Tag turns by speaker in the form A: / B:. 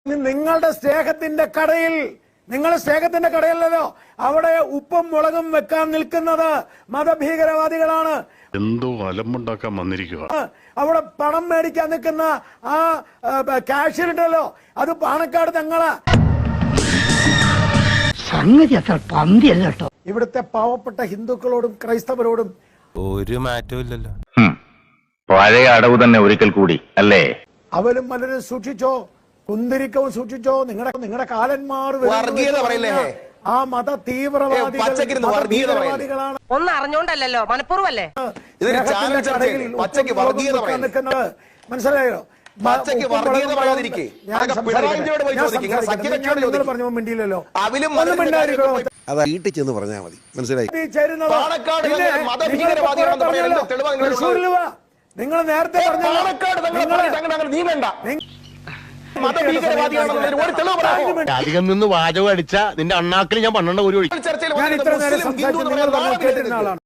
A: നിങ്ങളുടെ സ്നേഹത്തിന്റെ കടയിൽ, നിങ്ങളുടെ സ്നേഹത്തിന്റെ കടയിലല്ലോ അവിടെ ഉപ്പും മുളകും വെക്കാൻ നിൽക്കുന്നത് മതഭീകരവാദികളാണ്.
B: എന്തോ അലമ്പുണ്ടാക്കാൻ വന്നിരിക്കുക.
A: അവിടെ പണം മേടിക്കാൻ നിൽക്കുന്ന ആ കാഷ്യർ ഉണ്ടല്ലോ, അത് പാണക്കാട് തങ്ങളാ.
C: സംഗതി അത്ര പന്തിയല്ല കേട്ടോ.
A: ഇവിടുത്തെ പാവപ്പെട്ട ഹിന്ദുക്കളോടും ക്രൈസ്തവരോടും
D: ഒരു മാറ്റവും ഇല്ലല്ലോ.
E: പഴയ അടവ് തന്നെ ഒരിക്കൽ കൂടി അല്ലേ?
A: അവലും മലരും സൂക്ഷിച്ചോ, കുന്തിരിക്കവും സൂക്ഷിച്ചോ. നിങ്ങളുടെ കാലന്മാർ ആ മത തീവ്രവാദികളാണ്.
F: ഒന്നും അറിഞ്ഞോണ്ടല്ലോ, മനഃപൂർവ്വല്ലേ
A: നിൽക്കുന്നത്. മനസ്സിലായോ? പറഞ്ഞു മിണ്ടിയില്ലല്ലോ.
G: വീട്ടിൽ ചെന്ന് പറഞ്ഞാൽ മതി. മനസ്സിലായി?
A: നിങ്ങൾ നേരത്തെ
D: അധികം നിന്ന് വാചകം അടിച്ച നിന്റെ അണ്ണാക്കിൽ ഞാൻ 12 കോടി ഒഴിക്കും.
A: ഞാൻ ഇത്ര നേരം സംസാരിച്ചു, നിങ്ങൾ കേട്ടിരുന്ന ആളാണ്.